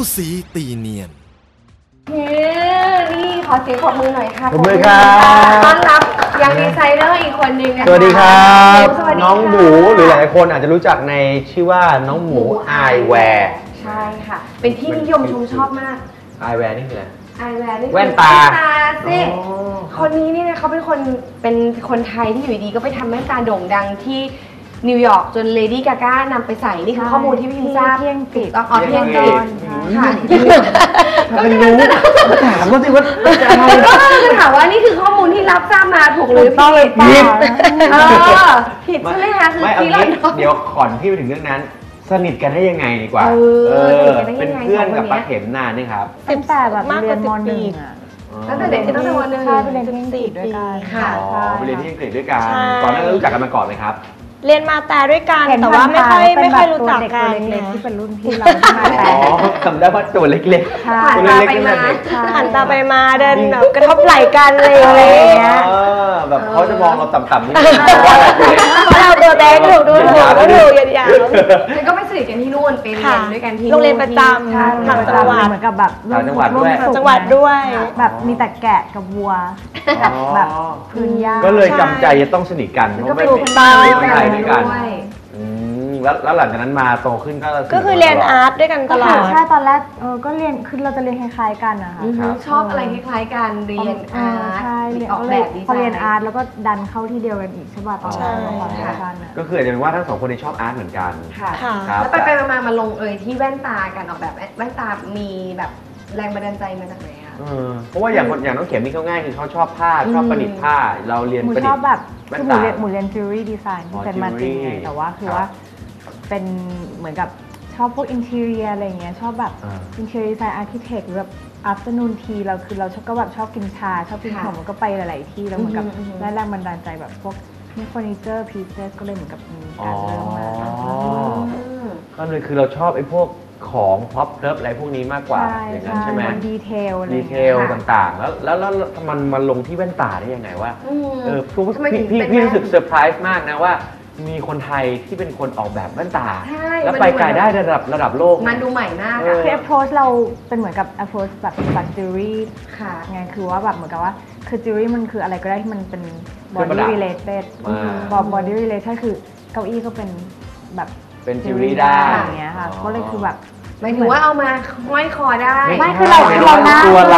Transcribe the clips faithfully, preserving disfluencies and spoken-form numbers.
สีตีเนียนนี่ขอเสียงปรบมือหน่อยค่ะปรบมือครับต้อนรับยังดีไซเนอร์อีกคนนึงนะคะสวัสดีครับน้องหมูหรือหลายคนอาจจะรู้จักในชื่อว่าน้องหมูไอแวร์ใช่ค่ะเป็นที่นิยมชมชอบมากไอแวร์นี่คืออะไรไอแวร์นี่แว่นตาสิคนนี้นี่นะเขาเป็นคนเป็นคนไทยที่อยู่ดีก็ไปทำแว่นตาโด่งดังที่นิวยอร์กจนเลดี้กาก้านำไปใส่นี่คือข้อมูลที่พี่พิมทราบเที่ยงปิดอ๋อเที่ยงปิดค่ะถ้าเป็นรู้ถามว่าสิว่าจะอะไรก็ถามว่านี่คือข้อมูลที่รับทราบมาถูกหรือผิดผิดเออผิดใช่ไหมคะคือที่เราเดี๋ยวก่อนที่ไปถึงเรื่องนั้นสนิทกันได้ยังไงดีกว่าเออเป็นเพื่อนกับป้าเข็มนานนี่ครับตั้งแต่แบบเรียนม.หนึ่งอ่ะตั้งแต่เด็กตั้งแต่วันหนึ่งใช่ไปเรียนที่อังกฤษด้วยกันค่ะไปเรียนที่อังกฤษด้วยกันก่อนหน้านั้นรู้จักกันมาก่อนไหมครับเรียนมาแต่ด้วยกันแต่ว่าไม่ค่อยไม่ค่อยรู้จักกันเล็กๆที่เป็นรุ่นพี่เราอ๋อจำได้ว่าตัวเล็กๆผ่านตาไปมาหันตาไปมาเดินแบบกระทบไหล่กันอะไรอย่างเงี้ยแบบเขาจะมองเราต่ำๆนิดนึงเพราะเราตัวแดงถูกดูถูกก็ถูกยาวๆแล้วก็ไปสนิทกันที่นู่นไปเรียนด้วยกันที่โรงเรียนประจำต่างจังหวัดเหมือนกับแบบต่างจังหวัดด้วยจังหวัดด้วยแบบมีแต่แกะกับวัวแบบพื้นหญ้าก็เลยจำใจจะต้องสนิทกันเพราะไม่ได้ไปด้วยกันแล้วแล้วหลังจากนั้นมาโตขึ้นก็ก็คือเรียนอาร์ตด้วยกันตลอดใช่ตอนแรกเออก็เรียนคือเราจะเรียนคล้ายๆกันนะคะชอบอะไรคล้ายๆกันเรียนอาร์ตออกแบบดีไซน์พอเรียนอาร์ตแล้วก็ดันเข้าที่เดียวกันอีกใช่ป่ะตอนนั้นก็คืออาจจะเป็นว่าทั้งสองคนที่ชอบอาร์ตเหมือนกันค่ะแล้วไปไปมามาลงเอยที่แว่นตากันออกแบบแว่นตามีแบบแรงบันดาลใจมาจากไหนคะเพราะว่าอย่างอย่างน้องเข็มนี่เขาง่ายคือเขาชอบผ้าชอบประดิษฐ์ผ้าเราเรียนประดิษฐ์ชอบแบบคือหมูเรียนหมูเรียนจิวเวลรี่ดีไซน์เป็นมาจริงแต่ว่าคือว่าเป็นเหมือนกับชอบพวกอินทีเรียอะไรเงี้ยชอบแบบอินทีเรียดีไซน์อาร์เคเต็กหรือแบบอัฟเตอร์นูนทีเราคือเราชอบก็แบบชอบกินชาชอบกินขนมก็ไปหลายๆที่แล้วเหมือนกับได้แรงบันดาลใจแบบพวกนี่เฟอร์นิเจอร์พีเซสก็เลยเหมือนกับมีการเริ่มมาก็เลยคือเราชอบไอ้พวกของพ็อปเลิฟอะไรพวกนี้มากกว่าอย่างนั้นใช่ไหมดีเทลดีเทลต่างๆแล้วแล้วแล้วมันมาลงที่แว่นตาได้ยังไงว่าเออพี่พี่รู้สึกเซอร์ไพรส์มากนะว่ามีคนไทยที่เป็นคนออกแบบแว่นตาแล้วไปไกลได้ระดับระดับโลกมันดูใหม่มากอะคือ approach เราเป็นเหมือนกับ approach แบบแบบจิวเวลรี่ค่ะไงคือว่าแบบเหมือนกับว่าคือจิวเวลรี่มันคืออะไรก็ได้ที่มันเป็น body related body related คือเก้าอี้ก็เป็นแบบเป็นจิวเวลรี่ได้อย่างเงี้ยค่ะก็เลยคือแบบหมายถึงว่าเอามาห้อยคอได้ไม่คือเราเราหน้าตัวเรา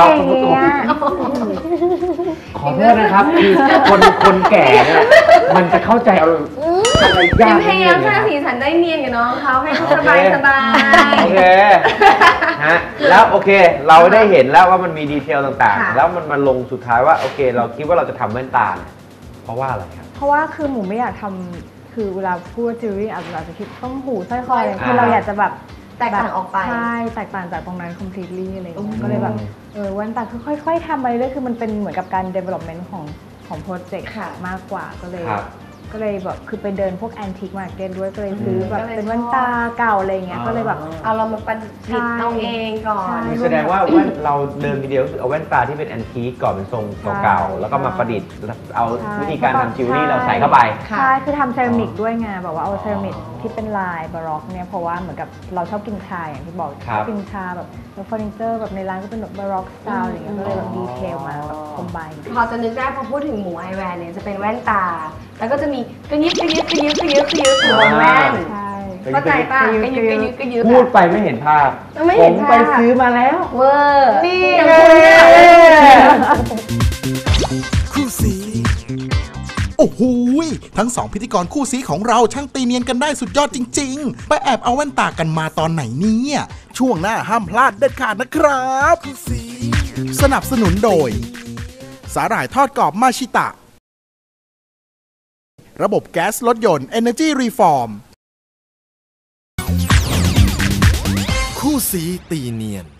ขอโทษนะครับคือคนคนแก่เนี่ยมันจะเข้าใจเอาอะไรยากพยายามสร้างสีสันได้เนียนกับน้องเขาให้เขาสบายสบายโอเคฮะแล้วโอเคเราได้เห็นแล้วว่ามันมีดีเทลต่างๆแล้วมันมาลงสุดท้ายว่าโอเคเราคิดว่าเราจะทำแว่นตาเพราะว่าอะไรครับเพราะว่าคือหมูไม่อยากทำคือเวลาพูดจิวเวลรี่อาจจะคิดต้องหูสร้อยคออะไรคือเราอยากจะแบบแตกต่างออกไปใช่แตกต่างจากตรงนั้น completely อะไรอย่างเงี้ยก็เลยแบบเออแว่นตาคือค่อยๆทำไปเรื่อยคือมันเป็นเหมือนกับการ development ของของโปรเจกต์มากกว่าก็เลยก็เลยแบบคือไปเดินพวก antique market ด้วยก็เลยซื้อแบบเป็นแว่นตาเก่าอะไรเงี้ยก็เลยแบบเอาเรามาประดิษฐ์เอาเองก่อนแสดงว่าแว่นเราเดินทีเดียวคือเอาแว่นตาที่เป็น antique ก่อนเป็นทรงเก่าแล้วก็มาประดิษฐ์เอาวิธีการทำจิวเวลรี่เราใส่เข้าไปใช่คือทำเซรามิกด้วยไงแบบว่าเอาเซรามิกที่เป็นลายบาร็อกเนี่ยเพราะว่าเหมือนกับเราชอบกินชาอย่างที่บอกชอบกินชาแบบแล้วเฟอร์นิเจอร์แบบในร้านก็เป็นแบบบาร็อกสไตล์อะไรเงี้ยก็เลยแบบดีเทลมาแบบคอมไบน์พอจะนึกได้พอพูดถึงหมูไอแวร์เนี่ยจะเป็นแว่นตาแล้วก็จะมีกระยิบกระยิบกระยิบกระยิบกระยิบหัวแว่นเข้าใจป่ะกระยิบกระยิบกระยิบพูดไปไม่เห็นภาพผมไปซื้อมาแล้วเวอร์นี่คู่สีโอ้โหทั้งสองพิธีกรคู่สีของเราช่างตีเนียนกันได้สุดยอดจริงๆไปแอบเอาแว่นตากันมาตอนไหนเนี่ยช่วงหน้าห้ามพลาดเด็ดขาดนะครับสนับสนุนโดยสาหร่ายทอดกรอบมาชิตะระบบแก๊สรถยนต์ Energy Reform คู่สีตีเนียน